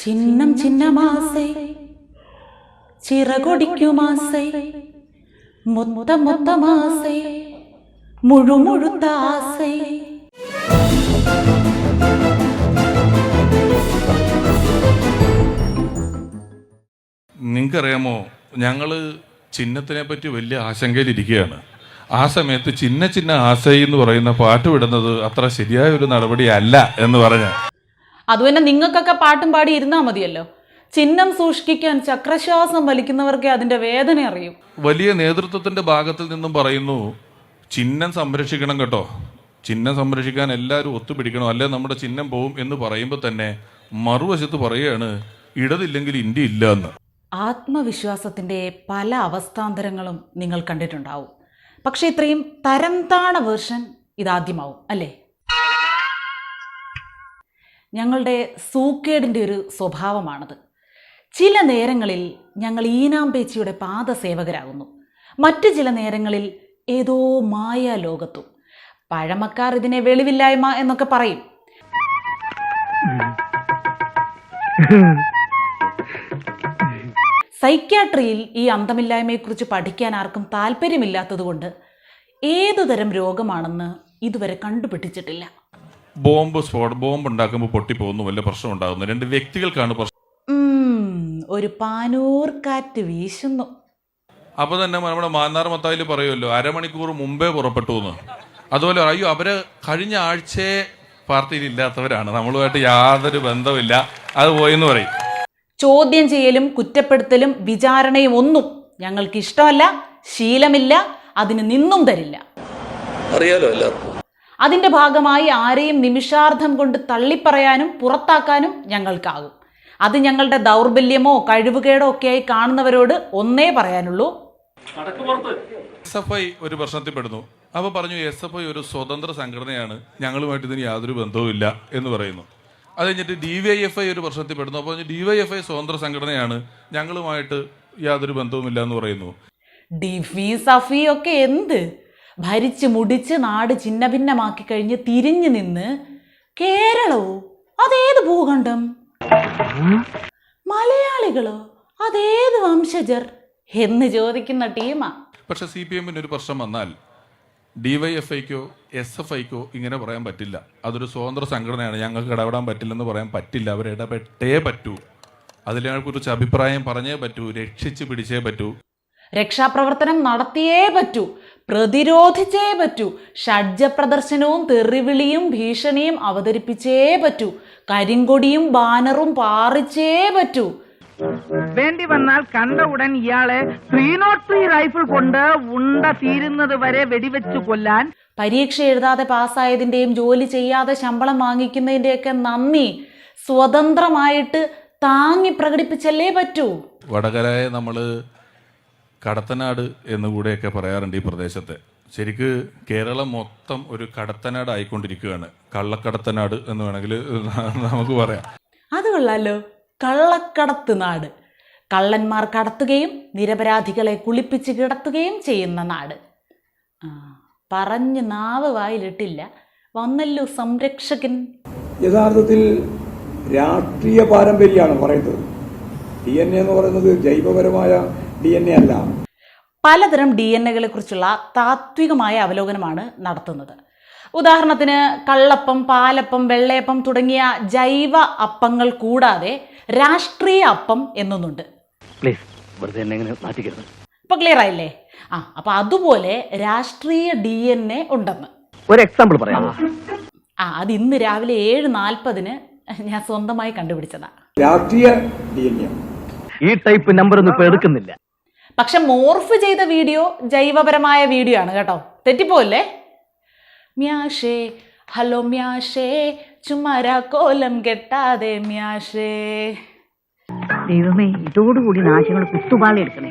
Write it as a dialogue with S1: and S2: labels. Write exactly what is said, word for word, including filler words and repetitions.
S1: ചിന്നം ചിന്നമാസൈ ചിറകൊടിക്കുമാസൈ മൊത്ത മൊത്തമാസൈ മുഴുമുഴുത്ത ആസൈ.
S2: നിങ്ങൾക്കറിയാമോ, ഞങ്ങള് ചിഹ്നത്തിനെ പറ്റി വലിയ ആശങ്കയിലിരിക്കുകയാണ്. ആ സമയത്ത് ചിന്ന ചിന്ന ആസൈ എന്ന് പറയുന്ന പാട്ട് വിടുന്നത് അത്ര ശരിയായ ഒരു നടപടിയല്ല എന്ന് പറഞ്ഞ
S1: അത് തന്നെ നിങ്ങൾക്കൊക്കെ പാട്ടും പാടി ഇരുന്നാൽ മതിയല്ലോ. ചിഹ്നം സൂക്ഷിക്കാൻ ചക്രശ്വാസം വലിക്കുന്നവർക്കേ അതിന്റെ വേദന അറിയൂ.
S2: വലിയ നേതൃത്വത്തിന്റെ ഭാഗത്തിൽ നിന്നും പറയുന്നു ചിഹ്നം സംരക്ഷിക്കണം കേട്ടോ, ചിഹ്നം സംരക്ഷിക്കാൻ എല്ലാവരും ഒത്തുപിടിക്കണം, അല്ലെ നമ്മുടെ ചിഹ്നം പോവും എന്ന് പറയുമ്പോൾ തന്നെ മറുവശത്ത് പറയുകയാണ് ഇടതില്ലെങ്കിൽ ഇന്ത്യ ഇല്ല എന്ന്.
S1: ആത്മവിശ്വാസത്തിന്റെ പല അവസ്ഥാന്തരങ്ങളും നിങ്ങൾ കണ്ടിട്ടുണ്ടാവും. പക്ഷെ ഇത്രയും തരം താണ വേർഷൻ ഇതാദ്യമാവും അല്ലേ? ഞങ്ങളുടെ സൂക്കേടിൻ്റെ ഒരു സ്വഭാവമാണത്. ചില നേരങ്ങളിൽ ഞങ്ങൾ ഈനാമ്പേച്ചിയുടെ പാദസേവകരാകുന്നു, മറ്റു ചില നേരങ്ങളിൽ ഏതോ മായ ലോകത്തും. പഴമക്കാർ ഇതിനെ വെളിവില്ലായ്മ എന്നൊക്കെ പറയും. സൈക്യാട്രിയിൽ ഈ അന്തമില്ലായ്മയെക്കുറിച്ച് പഠിക്കാൻ ആർക്കും താല്പര്യമില്ലാത്തതുകൊണ്ട് ഏതുതരം രോഗമാണെന്ന് ഇതുവരെ കണ്ടുപിടിച്ചിട്ടില്ല.
S2: ബോംബ് സ്ഫോട ബോംബ് ഉണ്ടാക്കുമ്പോൾ പൊട്ടിപ്പോകുന്നു, വല്ല പ്രശ്നം ഉണ്ടാകുന്നു. രണ്ട് വ്യക്തികൾക്കാണ് പ്രശ്നം.
S1: ഒരു പാനൂർ കാറ്റ് വീശുന്നു.
S2: അപ്പൊ തന്നെ നമ്മുടെ മാന്നാർ മത്തായിൽ പറയുമല്ലോ അരമണിക്കൂർ മുമ്പേ പുറപ്പെട്ടു എന്ന്. അതുപോലെ അയ്യോ അവര് കഴിഞ്ഞ ആഴ്ചയെ പാർട്ടിയിൽ ഇല്ലാത്തവരാണ്, നമ്മളുമായിട്ട് യാതൊരു ബന്ധമില്ല, അത് പോയെന്ന് പറയും.
S1: ചോദ്യം ചെയ്യലും കുറ്റപ്പെടുത്തലും വിചാരണയും ഒന്നും ഞങ്ങൾക്ക് ഇഷ്ടമല്ല, ശീലമില്ല, അതിന് നിന്നും തരില്ല.
S3: അറിയാലോ എല്ലാവർക്കും.
S1: അതിന്റെ ഭാഗമായി ആരെയും നിമിഷാർദ്ധം കൊണ്ട് തള്ളിപ്പറയാനും പുറത്താക്കാനും ഞങ്ങൾക്കാകും. അത് ഞങ്ങളുടെ ദൗർബല്യമോ കഴിവുകേടോ ഒക്കെയായി കാണുന്നവരോട് ഒന്നേ പറയാനുള്ളൂ,
S2: എസ് എഫ് ഐ ഒരു പ്രശ്നത്തിൽ പെടുന്നു. അപ്പൊ പറഞ്ഞു എസ് എഫ് ഐ ഒരു സ്വതന്ത്ര സംഘടനയാണ്, ഞങ്ങളുമായിട്ട് ഇതിന് യാതൊരു ബന്ധവുമില്ല എന്ന് പറയുന്നു. അത് കഴിഞ്ഞിട്ട് ഡി വൈ എഫ് ഐ ഒരു പ്രശ്നത്തിൽ പെടുന്നു. അപ്പോൾ ഡി വൈ എഫ് ഐ സ്വതന്ത്ര സംഘടനയാണ്, ഞങ്ങളുമായിട്ട് യാതൊരു ബന്ധവുമില്ല എന്ന് പറയുന്നു.
S1: ഡിഫി സഫി ഒക്കെ എന്ത് ഭരിച്ച് മുടിച്ച് നാട് ഛിന്ന ഭിന്നമാക്കി കഴിഞ്ഞ് തിരിഞ്ഞു നിന്ന് കേരളവോ അതേത് ഭൂഖണ്ഡം, മലയാളികളോ അതേത് വംശജർ എന്ന് ചോദിക്കുന്ന ടീമാ.
S2: പക്ഷെ സി പി എമ്മിന് ഒരു പ്രശ്നം വന്നാൽ ഡി വൈ എഫ് ഐക്കോ എസ് എഫ് ഐക്കോ ഇങ്ങനെ പറയാൻ പറ്റില്ല. അതൊരു സ്വതന്ത്ര സംഘടനയാണ്, ഞങ്ങൾക്ക് ഇടപെടാൻ പറ്റില്ലെന്ന് പറയാൻ പറ്റില്ല. അവർ ഇടപെട്ടേ പറ്റൂ, അതിനെക്കുറിച്ച് അഭിപ്രായം പറഞ്ഞേ പറ്റൂ, രക്ഷിച്ച് പിടിച്ചേ പറ്റൂ,
S1: രക്ഷാപ്രവർത്തനം നടത്തിയേ പറ്റൂ, പ്രതിരോധിച്ചേ പറ്റൂ, ഷഡ്ജ പ്രദർശനവും തെറിവിളിയും ഭീഷണിയും അവതരിപ്പിച്ചേ പറ്റൂ, കരിങ്കൊടിയും ബാനറും പാറിച്ചേ പറ്റൂ.
S4: വേണ്ടി വന്നാൽ കണ്ട ഉടൻ ഇയാളെ ത്രീ നോട്ട് ത്രീ റൈഫിൾ കൊണ്ട് ഉണ്ട തീരുന്നത് വരെ വെടിവെച്ചു കൊല്ലാൻ.
S1: പരീക്ഷ എഴുതാതെ പാസ്സായതിൻ്റെയും ജോലി ചെയ്യാതെ ശമ്പളം വാങ്ങിക്കുന്നതിൻ്റെയൊക്കെ നന്ദി സ്വതന്ത്രമായിട്ട് താങ്ങി പ്രകടിപ്പിച്ചല്ലേ പറ്റൂ.
S2: വടകരയെ നമ്മൾ കടത്തനാട് എന്നുകൂടെയൊക്കെ പറയാറുണ്ട് ഈ പ്രദേശത്തെ. ശരിക്ക് കേരളം മൊത്തം ഒരു കടത്തനാട് ആയിക്കൊണ്ടിരിക്കുകയാണ്, കള്ളക്കടത്തനാട് എന്ന് വേണമെങ്കിൽ നമുക്ക് പറയാം.
S1: അത് കൊള്ളാലോ, കള്ളക്കടത്ത് നാട്. കള്ളന്മാർ കടത്തുകയും നിരപരാധികളെ കുളിപ്പിച്ച് കിടത്തുകയും ചെയ്യുന്ന നാട്. ആ പറഞ്ഞ് നാവ് വായിലിട്ടില്ല, വന്നല്ലോ സംരക്ഷകൻ.
S5: യഥാർത്ഥത്തിൽ രാഷ്ട്രീയ പാരമ്പര്യമാണ് പറയുന്നത്. ഡി എൻ എ എന്ന് പറയുന്നത് ജൈവപരമായ ഡി എൻ എ അല്ല.
S1: പലതരം ഡി എൻ എകളെ കുറിച്ചുള്ള താത്വികമായ അവലോകനമാണ് നടത്തുന്നത്. ഉദാഹരണത്തിന് കള്ളപ്പം, പാലപ്പം, വെള്ളയപ്പം തുടങ്ങിയ ജൈവ അപ്പങ്ങൾ കൂടാതെ രാഷ്ട്രീയ അപ്പം എന്നൊന്നുണ്ട്. ഇപ്പൊ ക്ലിയർ ആയില്ലേ? ആ അപ്പൊ അതുപോലെ രാഷ്ട്രീയ ഡി എൻ എ ഉണ്ടെന്ന്
S4: ഒരു എക്സാമ്പിൾ പറയാമോ?
S1: ആ അത് ഇന്ന് രാവിലെ ഏഴ് നാൽപ്പതിന് ഞാൻ സ്വന്തമായി കണ്ടുപിടിച്ചതാ.
S5: രാഷ്ട്രീയ ഡി എൻ എ
S4: ഈ ടൈപ്പ് നമ്പർ ഒന്നും ഇപ്പൊ എടുക്കുന്നില്ല.
S1: പക്ഷെ മോർഫ് ചെയ്ത വീഡിയോ ജൈവപരമായ വീഡിയോ ആണ് കേട്ടോ, തെറ്റിപ്പോല്ലേ? മ്യാഷേ ഹലോ മ്യാഷേ ചുമ്മാരാ കോലം കെട്ടാതെ മ്യാഷേ.
S6: ദൈവമേ, ഇതോടുകൂടി നാശങ്ങൾ കുത്തുപാളി എടുക്കണേ.